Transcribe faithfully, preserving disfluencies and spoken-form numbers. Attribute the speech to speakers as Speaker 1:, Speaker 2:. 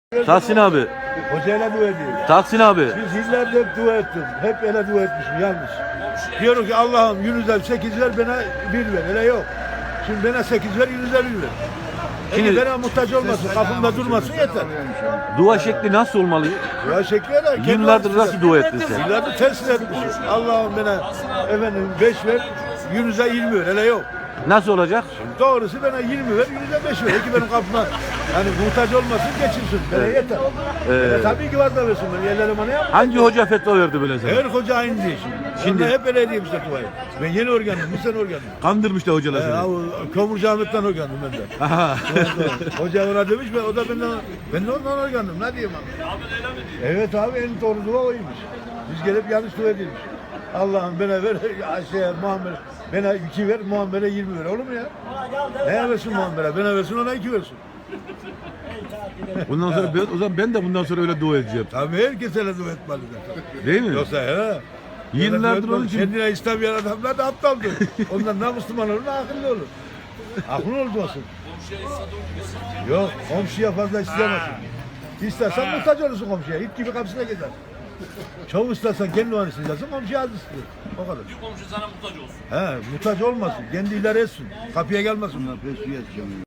Speaker 1: Tahsin abi.
Speaker 2: Hocayla dua ediyor.
Speaker 1: Tahsin abi.
Speaker 2: Biz yıllardır hep dua ettim. Hep öyle dua etmişim yanlış. Diyorum ki Allah'ım yüzden sekiz ver bana bir ver. Öyle yok. Şimdi bana sekiz ver yüzden bir ver. Şimdi
Speaker 1: Şimdi-
Speaker 2: bana muhtaç olmasın, kapımda durmasın yeter.
Speaker 1: Dua şekli nasıl olmalı?
Speaker 2: Dua şekli öyle. kendi
Speaker 1: Yıllardır
Speaker 2: açısından.
Speaker 1: nasıl dua ettin sen?
Speaker 2: Yıllardır tersine etmişim. Allah'ım bana efendim beş ver, yüze yirmi ver. Öyle yok.
Speaker 1: Nasıl olacak?
Speaker 2: Doğrusu bana yirmi ver, yüze beş ver. Ki benim kapıma hani muhtaç olmasın, geçirsin. Bana yeter.
Speaker 1: Evet.
Speaker 2: E, tabii ki vazgeçmesin versin beni. Yerlerim bana yapma.
Speaker 1: Hangi hoca fetva verdi böyle sana?
Speaker 2: Her hoca aynı değil şimdi.
Speaker 1: Şimdi-
Speaker 2: Şimdi hep öyle diyeyim işte duayı. Ben yeni organım, bu sene organım.
Speaker 1: Kandırmış da hocalar
Speaker 2: Ee,
Speaker 1: seni.
Speaker 2: o Kömürcü Ahmet'ten organım ben de.
Speaker 1: Aha.
Speaker 2: Hoca ona demiş ben, o da benden, ben de ondan organım. Ne diyeyim abi? Evet abi en doğru dua oymuş. Biz gelip yanlış dua edilmiş. Allah'ım bana ver, Ayşe'ye, Muammer'e, bana iki ver, Muammer'e yirmi ver. Olur mu ya? Neye versin Muammer'e? Bana versin, ona iki versin.
Speaker 1: Bundan sonra ben, o zaman ben de bundan sonra öyle dua edeceğim.
Speaker 2: Tabii herkes öyle dua etmeli zaten.
Speaker 1: Değil mi?
Speaker 2: Yoksa he.
Speaker 1: Yıllardır onun için-
Speaker 2: Kendine istemeyen adamlar da aptaldır. Ondan ne Müslüman olur ne akıllı olur. Aklın olmasın. Yok komşuya fazla istemezsin. İstersen muhtaç olursun komşuya. İt gibi kapısına gider. Çok istersen kendi onu isteyeceksin, komşuya az istiyor. O kadar.
Speaker 3: Bir komşu sana muhtaç olsun.
Speaker 2: He, muhtaç olmasın. Kendi idare etsin. Kapıya gelmesin.